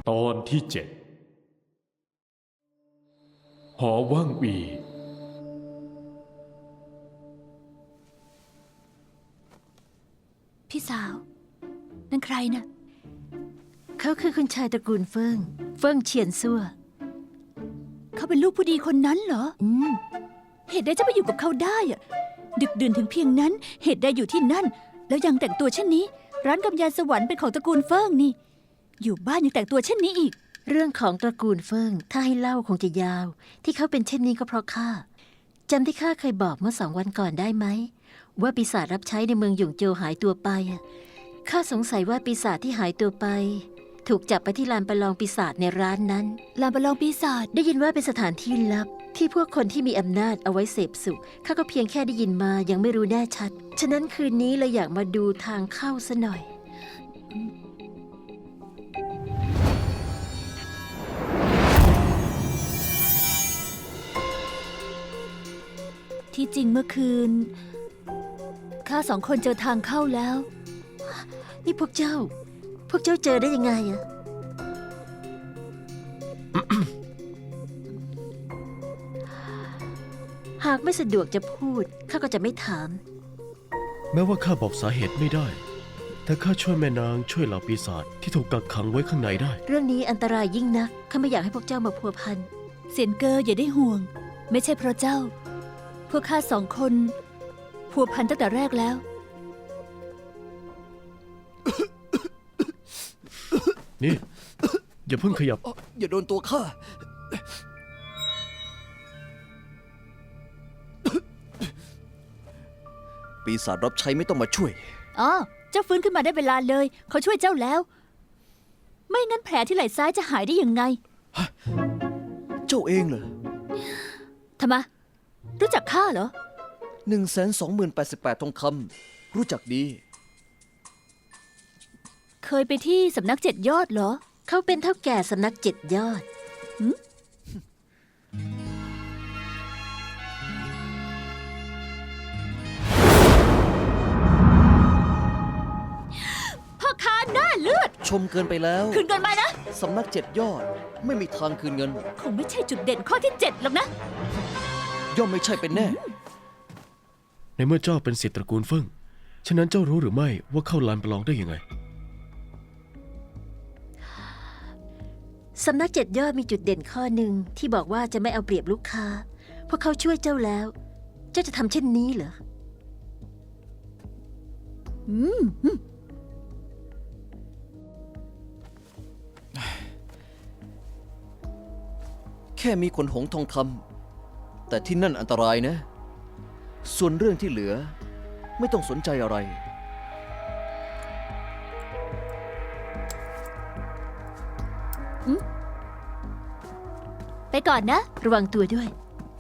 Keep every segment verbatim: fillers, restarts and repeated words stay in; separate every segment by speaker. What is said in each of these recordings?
Speaker 1: ตอนที่เจ็ดหอว่างวี
Speaker 2: พี่สาวนั่นใครนะ่ะ
Speaker 3: เขาคือคุณชายตระกูลเฟิงเฟิงเฉียนซั่ว
Speaker 2: เขาเป็นลูกผู้ดีคนนั้นเหรอ
Speaker 3: อืม
Speaker 2: เหตุใดจะไปอยู่กับเขาได้อะดึกดื่นถึงเพียงนั้นเหตุใดอยู่ที่นั่นแล้วยังแต่งตัวเช่นนี้ร้านกำยานสวรรค์เป็นของตระกูลเฟิงนี่อยู่บ้านยังแต่งตัวเช่นนี้อีก
Speaker 3: เรื่องของตระกูลเฟิงถ้าให้เล่าคงจะยาวที่เขาเป็นเช่นนี้ก็เพราะข้าจำที่ข้าเคยบอกเมื่อสองวันก่อนได้ไหมว่าปีศาจรับใช้ในเมืองหยงโจวหายตัวไปข้าสงสัยว่าปีศาจที่หายตัวไปถูกจับไปที่ลานประลองปีศาจในร้านนั้น
Speaker 2: ลานประลองปีศาจ
Speaker 3: ได้ยินว่าเป็นสถานที่ลับที่พวกคนที่มีอำนาจเอาไว้เสพสุขข้าก็เพียงแค่ได้ยินมายังไม่รู้แน่ชัดฉะนั้นคืนนี้เลยอยากมาดูทางเข้าซะหน่อย
Speaker 2: ที่จริงเมื่อคืนข้าสองคนเจอทางเข้าแล้ว
Speaker 3: นี่พวกเจ้าพวกเจ้าเจอได้ยังไงอะ หากไม่สะดวกจะพูดข้าก็จะไม่ถาม
Speaker 4: แม้ว่าข้าบอกสาเหตุไม่ได้แต่ข้าช่วยแม่นางช่วยเหล่าปีศาจที่ถูกกักขังไว้ข้างในได้
Speaker 3: เรื่องนี้อันตรายยิ่งนักข้าไม่อยากให้พวกเจ้ามาพัวพัน
Speaker 2: เซียนเกออย่าได้ห่วงไม่ใช่เพราะเจ้าพวกข้าสองคนพัวพันตั้งแต่แรกแล้ว
Speaker 4: นี่อย่าเพิ่งขยับ
Speaker 5: อย่าโดนตัวข้าปีศาจรับใช้ไม่ต้องมาช่วย
Speaker 2: อ๋อเจ้าฟื้นขึ้นมาได้เวลาเลยเขาช่วยเจ้าแล้วไม่งั้นแผลที่ไหล่ซ้ายจะหายได้ยังไง
Speaker 5: เจ้าเองเหรอ
Speaker 2: ทำไมรู้จักข้าเหรอ
Speaker 5: หนึ่งแสนสองหมื่นแปดสิบแปดทองคำรู้จักดี
Speaker 2: เคยไปที่สำนักเจ็ดยอดเหรอ
Speaker 3: เขาเป็นเท่าแก่สำนักเจ็ดยอด
Speaker 2: พ่อค้าหน้าเลือด
Speaker 5: ชมเกินไปแล้ว
Speaker 2: คืนเงินมานะ
Speaker 5: สำนักเจ็ดยอดไม่มีทางคืนเงิน
Speaker 2: คงไม่ใช่จุดเด่นข้อที่เจ็ดหรอกนะ
Speaker 5: ย่อมไม่ใช่เป็นแน่
Speaker 4: ในเมื่อเจ้าเป็นศิษย์ตระกูลเฟิงฉะนั้นเจ้ารู้หรือไม่ว่าเข้าลานประลองได้ยังไง
Speaker 3: สำนักเจ็ดยอดมีจุดเด่นข้อหนึ่งที่บอกว่าจะไม่เอาเปรียบลูกค้าเพราะเขาช่วยเจ้าแล้วเจ้าจะทำเช่นนี้เหรอ
Speaker 2: อืม
Speaker 5: แค่มีขนหงส์ทองคำแต่ที่นั่นอันตรายนะส่วนเรื่องที่เหลือไม่ต้องสนใจอะไร
Speaker 2: ไปก่อนนะ
Speaker 3: ระวังตัวด้วย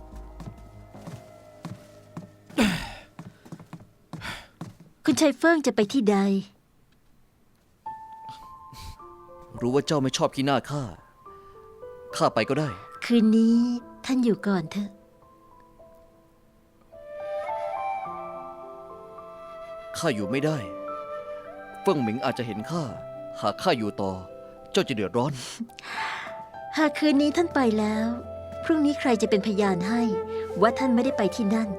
Speaker 3: คุณชายเฟิงจะไปที่ใด
Speaker 5: รู้ว่าเจ้าไม่ชอบขี้หน้าข้าข้าไปก็ได้
Speaker 3: คืนนี้ท่านอยู่ก่อนเถอะ
Speaker 5: ข้าอยู่ไม่ได้เฟิ่งหมิงอาจจะเห็นข้าหากข้าอยู่ต่อเจ้าจะเดือดร้อน
Speaker 3: หากคืนนี้ท่านไปแล้วพรุ่งนี้ใครจะเป็นพยานให้ว่าท่านไม่ได้ไปที่นั่น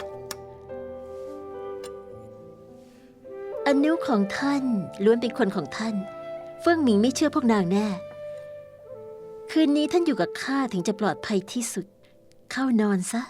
Speaker 3: อนุของท่านล้วนเป็นคนของท่านเฟิ่งหมิงไม่เชื่อพวกนางแน่คืนนี้ท่านอยู่กับข้าถึงจะปลอดภัยที่สุดเข้านอนซะ